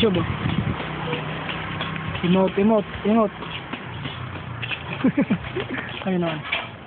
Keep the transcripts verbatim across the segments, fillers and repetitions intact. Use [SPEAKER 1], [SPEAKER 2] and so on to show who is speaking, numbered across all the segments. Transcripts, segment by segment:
[SPEAKER 1] YouTube. Oh. Emote, emote, emote. Ayun naman.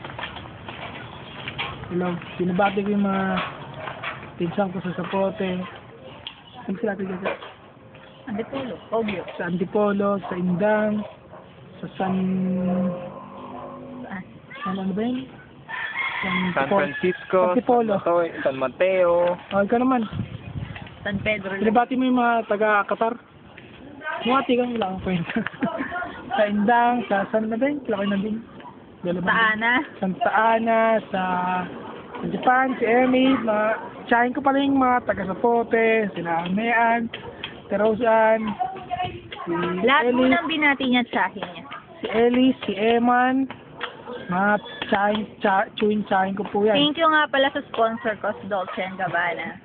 [SPEAKER 1] Hello. Binabati ko yung mga pinsang ko sa Sapote. Ano sila ito dyan?
[SPEAKER 2] Antipolo. Ogyo.
[SPEAKER 1] Sa Antipolo, sa Indang, sa San...
[SPEAKER 2] Ah.
[SPEAKER 1] San ano ba yun? San,
[SPEAKER 3] San
[SPEAKER 1] Tipo-
[SPEAKER 3] Francisco,
[SPEAKER 1] San Tipolo.
[SPEAKER 3] San, San Mateo.
[SPEAKER 1] Oh, ikaw naman.
[SPEAKER 2] San Pedro.
[SPEAKER 1] Binabati mo yung mga taga-Qatar. Mukati kang wala akong kwenta. Sa Indang, sa San na ba yun? Laki na din.
[SPEAKER 2] Sa Ana.
[SPEAKER 1] Santa Ana, sa, sa Japan, si Emi, mga, tsahin ko pala yung mga taga-Sapote, sila Amean, Terosan, si
[SPEAKER 2] Lahat mo
[SPEAKER 1] Ellie,
[SPEAKER 2] nang binati niya at tsahin niya.
[SPEAKER 1] si Ellie, si Eman, mga tsahin, tsa, chewin tsahin ko po yan.
[SPEAKER 2] Thank you nga pala sa sponsor ko, sa Dolce and Gabbana.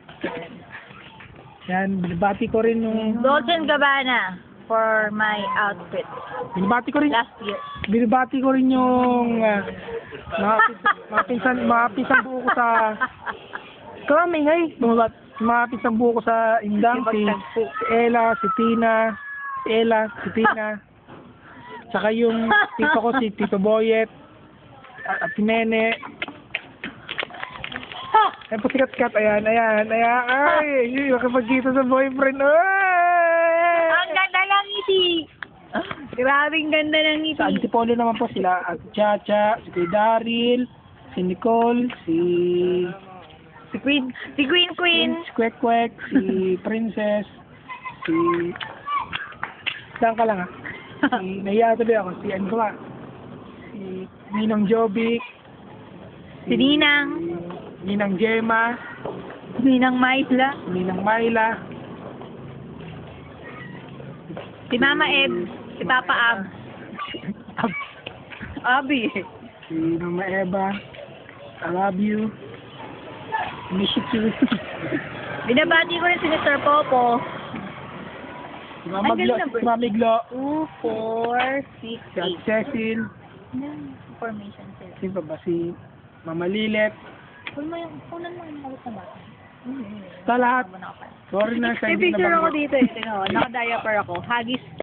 [SPEAKER 1] Yan, binabati ko rin yung,
[SPEAKER 2] Dolce and Gabbana for my outfit
[SPEAKER 1] binabati ko rin,
[SPEAKER 2] last year.
[SPEAKER 1] binabati ko rin yung, uh, mga, pins- mga pinsan, mga pinsan buo ko sa, kami ngay, mga, mga pinsan buo ko sa Indang, si, si Ella, si Tina, si Ella, si Tina, saka yung tito ko si Tito Boyet, at, at si Nene, ayan po sikat-sikat, ayan, ayan, ayan, ay, yun, makapagkita sa boyfriend, ay!
[SPEAKER 2] Ang ganda ng ngiti! Grabing ganda ng ngiti.
[SPEAKER 1] Sa Antipolo naman po sila, at Chacha, si Kuya Daryl, si Nicole, si
[SPEAKER 2] Si Queen, si Queen Queen.
[SPEAKER 1] si Kwek Kwek, si Princess, si... Saan ka lang ah? Si, nahiya tuloy ako, si ano ba? Si Ninong Jovic,
[SPEAKER 2] Si Ninang.
[SPEAKER 1] si Ninang Gemma,
[SPEAKER 2] Ninang Maisla.
[SPEAKER 1] si Ninang Myla,
[SPEAKER 2] Si Mama Eb. Si Papa Ab. Abi.
[SPEAKER 1] si Mama Eva, I love you, miss you too.
[SPEAKER 2] Binabati ko rin si Mister Popo.
[SPEAKER 1] Si Mama
[SPEAKER 2] Ang
[SPEAKER 1] Glo,
[SPEAKER 2] galing na
[SPEAKER 1] si Mami Glo,
[SPEAKER 2] two, four, six,
[SPEAKER 1] si Ate
[SPEAKER 2] eight.
[SPEAKER 1] Cecil,
[SPEAKER 2] Yan, information sila.
[SPEAKER 1] si pa ba si Mama Lilet,
[SPEAKER 2] Kunin mo yung, kunan mo yung malit na bata.
[SPEAKER 1] sa lahat.
[SPEAKER 2] Tama na ako.
[SPEAKER 1] Sorry na sa
[SPEAKER 2] May
[SPEAKER 1] hindi
[SPEAKER 2] picture ako
[SPEAKER 1] nabanggit.
[SPEAKER 2] dito eh. Tingnan mo, naka-diaper ako. Hagis